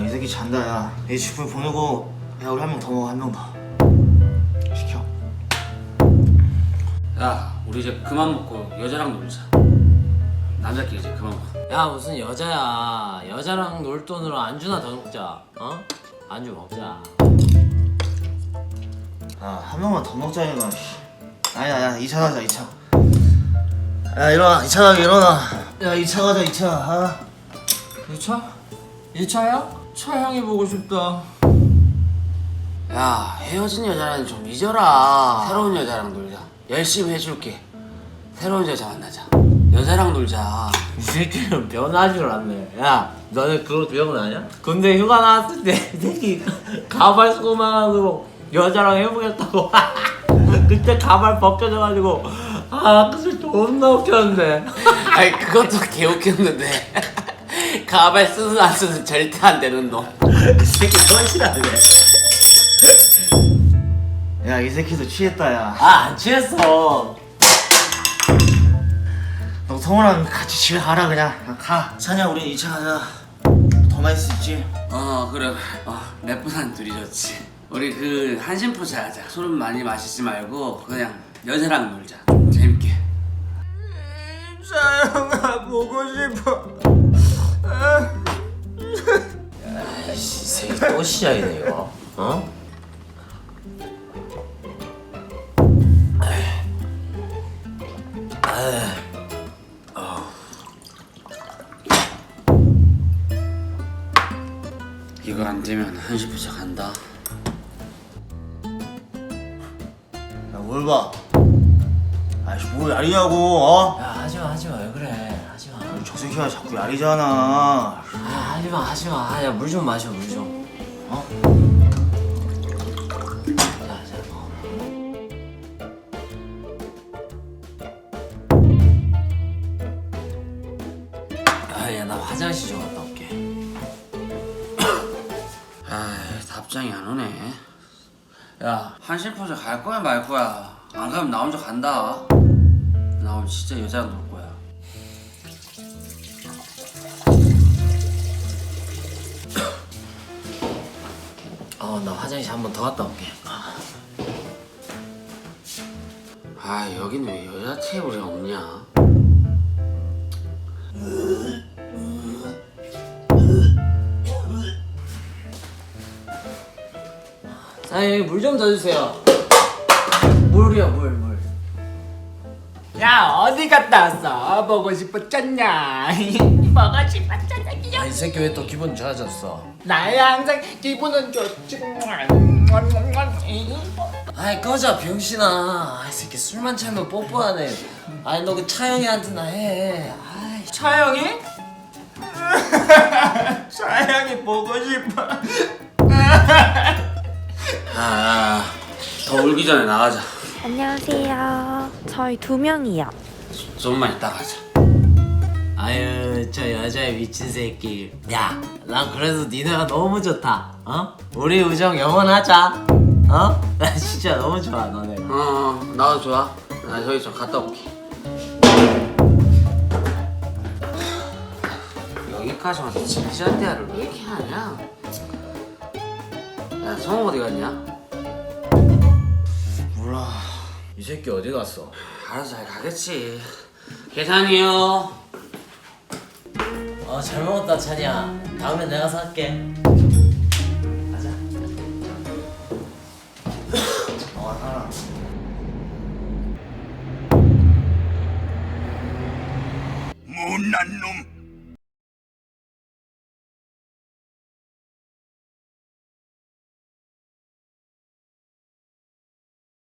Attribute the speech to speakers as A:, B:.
A: 이 새끼 잔다. 야, 이 집을 보내고 야 우리 한 명 더 먹어. 한 명 더 시켜.
B: 야, 우리 이제 그만 먹고 여자랑 놀자. 남자끼리 이제 그만 먹어.
C: 야 무슨 여자야. 여자랑 놀 돈으로 안주나 더 먹자. 어? 안주 먹자.
A: 한 명만 더 먹자니까. 아니야, 야 2차 가자. 2차. 야 일어나. 2차 가게 일어나. 야 2차 가자. 2차. 아.
C: 2차? 2차야? 차향이 보고 싶다.
B: 야, 헤어진 여자랑 좀 잊어라. 새로운 여자랑 놀자. 열심히 해줄게. 새로운 여자 만나자. 여자랑 놀자.
C: 이 새끼는 변하질 않네. 야 너네 그거 기억나냐? 군대 휴가 나왔을 때 이 새끼 가발 소망으로 여자랑 해보겠다고. 그때 가발 벗겨져가지고 그새 존나 웃겼는데.
B: 아니, 그것도 개웃겼는데. 가발 쓰든 안 쓰든 절대 안 되는 놈.
C: 이 새끼 손실하네.
A: 야 이 새끼도 취했다. 야
C: 안 취했어.
A: 너 성우랑 같이 집에 가라. 그냥 가. 찬이야 우리 2차 가자. 더 맛있을 수 있지?
B: 그래. 래프산 둘이 좋지. 우리 그 한심포차 하자. 술 많이 마시지 말고 그냥 여자랑 놀자. 좀 재밌게.
A: 사영아 보고 싶어.
C: 이 새끼 또 시작이네 이거. 어?
B: 이거 안 되면 한심포차 간다.
A: 야뭘 봐. 아이씨 뭘 야리냐고. 어?
C: 야 하지마 왜 그래. 하지마.
A: 저 새끼가 자꾸 야리잖아.
C: 하지마. 야 물 좀 마셔 물 좀. 어? 자 야 나 화장실 좀 갔다 올게.
B: 답장이 안 오네. 야, 한심포차 갈 거야 말 거야? 안 가면 나 혼자 간다. 나 오늘 진짜 여자랑 놀 거야.
C: 나 화장실 한 번 더 갔다 올게.
B: 여긴 왜 여자 테이블이 없냐?
C: 사장님 물 좀 더 주세요. 물이요 물.
D: 야 어디 갔다 왔어? 보고 싶었잖냐? 보고 싶었잖아.
C: 이 새끼 왜 또 기분 좋아졌어?
D: 나야 항상 기분은 좋지.
C: 아이 꺼져 병신아. 이 새끼 술만 채면 뽀뽀하네. 아이 너 그 차영이한테나 해. 아이
D: 차영이? 차영이 보고 싶어.
B: 더 울기 전에 나가자.
E: 안녕하세요. 저희 2명이요.
B: 좀만 이따 가자.
C: 아유 저 여자의 미친 새끼. 야 난 그래도 니네가 너무 좋다. 어? 우리 우정 영원하자. 어? 나 진짜 너무 좋아 너네.
B: 나도 좋아. 나 저기 좀 갔다 올게. 여기까지 와서 진지한 대화를 왜 이렇게 하냐? 야, 성우 어디 갔냐?
A: 몰라.
C: 이 새끼 어디 갔어?
B: 알아서 잘 가겠지. 계산이요.
C: 잘 먹었다 찬이야. 다음에 내가 살게. 가자.
A: 살아.
F: 못난 놈.